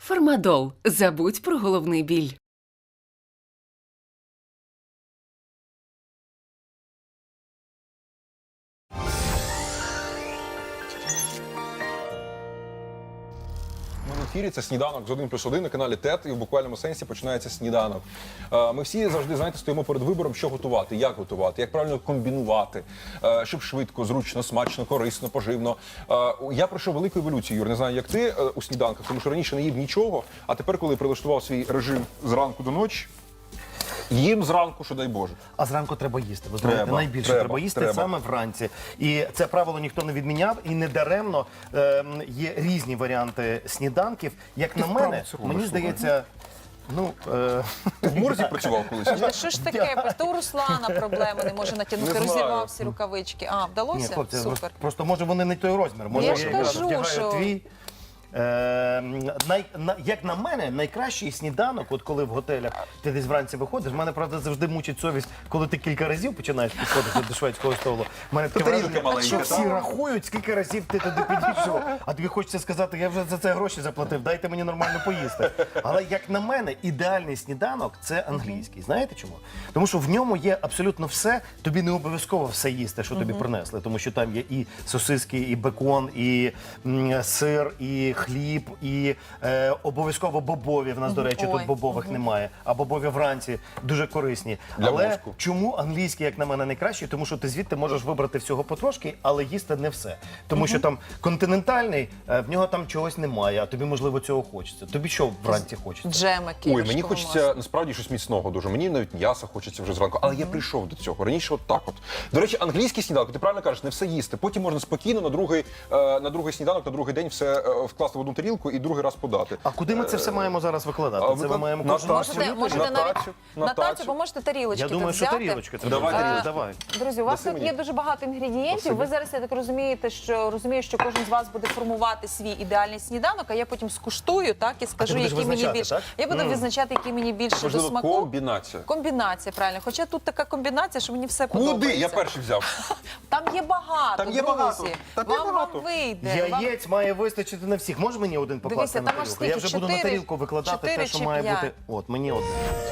Фармадол. Забудь про головний біль. Ми в ефірі, це сніданок з 1+1 на каналі ТЕТ, і в буквальному сенсі починається сніданок. Ми всі завжди, знаєте, стоїмо перед вибором, що готувати, як правильно комбінувати, щоб швидко, зручно, смачно, корисно, поживно. Я пройшов велику еволюцію, Юр, не знаю, як ти у сніданках, тому що раніше не їв нічого, а тепер, коли прилаштував свій режим зранку до ночі, їм зранку, що дай Боже. А зранку треба їсти. Ви знаєте, найбільше треба їсти саме вранці. І це правило ніхто не відміняв, і не даремно є різні варіанти сніданків. Як на мене, мені здається, Ти в морзі працював колись? Та що ж таке? То у Руслана проблеми не може натягнути, Не знаю. розірвав всі рукавички. А, ні, вдалося? хлопці, Супер. просто може вони не той розмір. Може Я ж якраз кажу, вдягаю що- твій. Як на мене, найкращий сніданок, от коли в готелях ти десь вранці виходиш, мене, правда, завжди мучить совість, коли ти кілька разів починаєш підходити до шведського столу. У мене таке тарілка враження, маленька, що так? всі рахують, скільки разів ти туди підійшов, а тобі хочеться сказати, я вже за це гроші заплатив, дайте мені нормально поїсти. Але, як на мене, ідеальний сніданок – це англійський. Знаєте чому? Тому що в ньому є абсолютно все, тобі не обов'язково все їсти, що тобі принесли, тому що там є і сосиски, і бекон, і сир, і хліб, і обов'язково бобові. В нас, до речі, Ой. тут бобових немає, а бобові вранці дуже корисні. Для Але мозку. чому англійський, як на мене, найкращий? Тому що ти звідти можеш вибрати всього потрошки, але їсти не все. Тому що там континентальний, в нього там чогось немає, а тобі, можливо, цього хочеться. Тобі що вранці хочеться? Джемики. Ой, мені вершкове хочеться масло. насправді щось міцного дуже. Мені навіть м'яса хочеться вже зранку. Але я прийшов до цього. Раніше от так от. До речі, англійський сніданок, ти правильно кажеш, не все їсти. Потім можна спокійно на другий сніданок, на другий день все вкласти в одну тарілку і другий раз подати. А куди ми це все маємо зараз викладати? Це ми маємо на кожен тацю. раз Можете На навіть тацю, на тацю, бо можете тарілочки Я думаю, тут що взяти. тарілочки. Це Давай тарілочки. давай. Друзі, у вас Даси тут мені? є дуже багато інгредієнтів. Ви зараз, я так розумієте, розумію, що кожен з вас буде формувати свій ідеальний сніданок, а я потім скуштую, так, і скажу, будеш який мені визначати, більше. так? Я буду визначати, який мені більше до Можливо, смаку. комбінація. Комбінація, правильно. Хоча тут така комбінація, що мені все Куди? подобається. Я перший взяв. Там є багато, Там є друзі. багато. Там є Вам багато. вийде. Яєць має вистачити на всіх. Може мені один покласти Дивіться, на там аж тарілку? Я скільки? вже буду на 4, тарілку викладати те, 4 що чи має 5? бути. От, мені одне.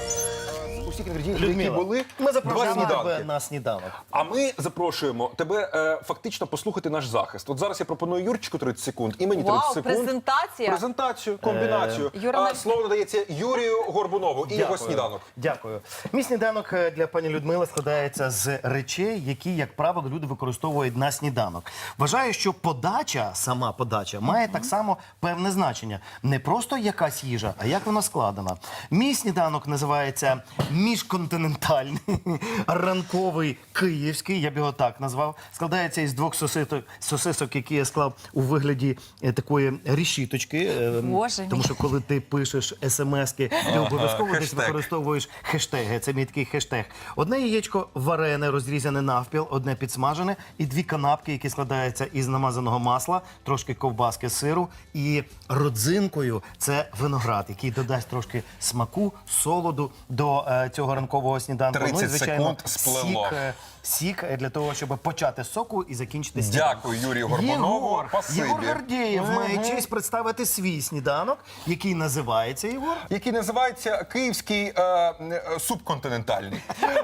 Усіх інгредієнтів, які Людмила, були, ми два запрошуємо тебе сніданки. на сніданок. А ми запрошуємо тебе фактично послухати наш захист. От зараз я пропоную Юрчику 30 секунд, і мені 30 Вау, секунд. презентація. Презентацію, комбінацію. Юра, Слово надається Юрію Горбунову і його сніданок. Дякую. Мій сніданок для пані Людмили складається з речей, які, як правило, люди використовують на сніданок. Вважаю, що подача, сама подача, має так само певне значення. Не просто якась їжа, а як вона складена. Мій сніданок називається міжконтинентальний, ранковий київський, я б його так назвав. Складається із 2 сосисок, які я склав у вигляді такої решіточки. Боже мій. Тому що коли ти пишеш смски, ти обов'язково десь хештег. використовуєш хештеги. Це мій такий хештег. Одне яєчко варене, розрізане навпіл, одне підсмажене, і 2 канапки, які складаються із намазаного масла, трошки ковбаски, сиру, і родзинкою це виноград, який додасть трошки смаку, солоду до цього ранкового сніданку. 30 секунд сплело. Сік для того, щоб почати з соку і закінчити сніданок. Дякую, Юрію Горбунову. Спасибі. Єгор Гордєєв має честь представити свій сніданок, який називається, Єгор? Який називається «Київський субконтинентальний».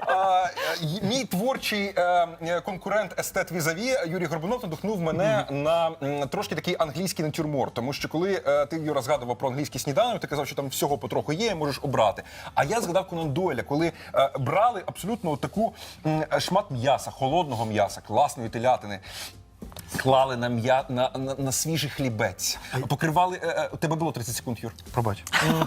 Мій творчий конкурент естет Візаві Юрій Горбунов надихнув мене на трошки такий англійський натюрморт. Тому що коли ти, Юра, згадував про англійський сніданок, ти казав, що там всього потроху є, можеш обрати. А я згадав Конан Дойля, коли брали абсолютно таку шмат м'яса, холодного м'яса, класної телятини, клали на свіжий хлібець, покривали... У тебе було 30 секунд, Юр? Пробач.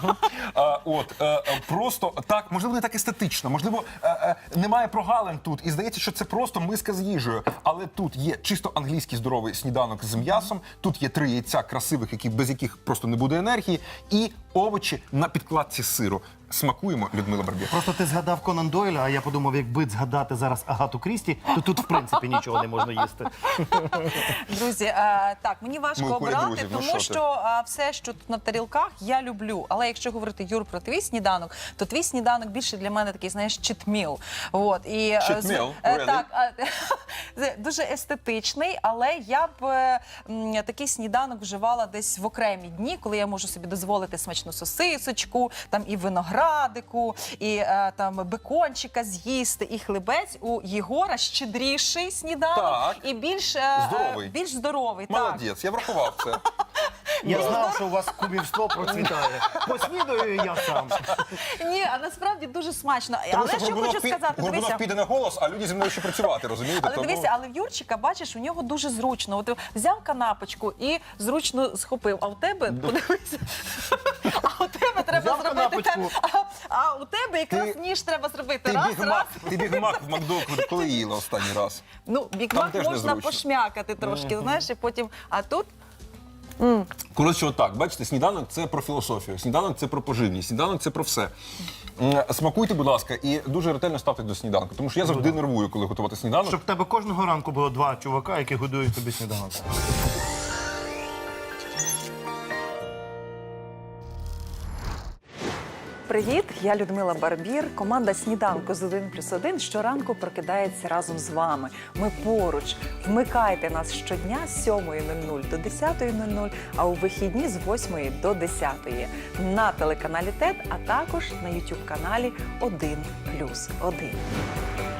Просто так, можливо, не так естетично, можливо, немає прогалин тут, і здається, що це просто миска з їжею. Але тут є чисто англійський здоровий сніданок з м'ясом, тут є 3 яйця красивих, без яких просто не буде енергії, і овочі на підкладці сиру. Смакуємо, Людмила Барбір. Просто ти згадав Конан Дойля, а я подумав, якби згадати зараз Агату Крісті, то тут, в принципі, нічого не можна їсти. Друзі, так, мені важко Ми у колі обирати, друзів, ну тому що ти? що все, що тут на тарілках, я люблю. Але якщо говорити, Юр, про твій сніданок, то твій сніданок більше для мене такий, знаєш, читміл. От, і, Cheat meal? Really? так, дуже естетичний, але я б такий сніданок вживала десь в окремі дні, коли я можу собі дозволити смачну сосисочку, там і виноградику, і там бекончика з'їсти, і хлібець. У Єгора щедріший сніданок Так. і більш Здоровий. більш здоровий. Так. Молодець, я врахував це. Я знав, що у вас кумівство процвітає. Поснідаю я сам. Ні, а насправді дуже смачно. Тому Але що хочу сказати, Горбунов дивися. піде на голос, а люди зі мною ще працювати, розумієте? Але Тому- дивися, але в Юрчика, бачиш, у нього дуже зручно. От взяв канапочку і зручно схопив. А у тебе, подивися, а у тебе треба Взяв зробити канапочку. а у тебе якраз Ти- ніж треба зробити. Ти Раз, бігмак, раз. ти бігмак в Макдоку коли їла останній раз? Ну, Там бікмак теж можна незручно. пошмякати трошки, знаєш, і потім. А тут Коротше, отак, бачите, сніданок – це про філософію, сніданок – це про поживність, сніданок – це про все. Смакуйте, будь ласка, і дуже ретельно ставте до сніданку, тому що я завжди нервую, коли готувати сніданок. Щоб в тебе кожного ранку було два чувака, які годують тобі сніданок. Привіт, я Людмила Барбір. Команда «Сніданку з 1+1» щоранку прокидається разом з вами. Ми поруч. Вмикайте нас щодня з 7:00 до 10:00, а у вихідні з 8 до 10 на телеканалі ТЕТ, а також на YouTube-каналі 1+1.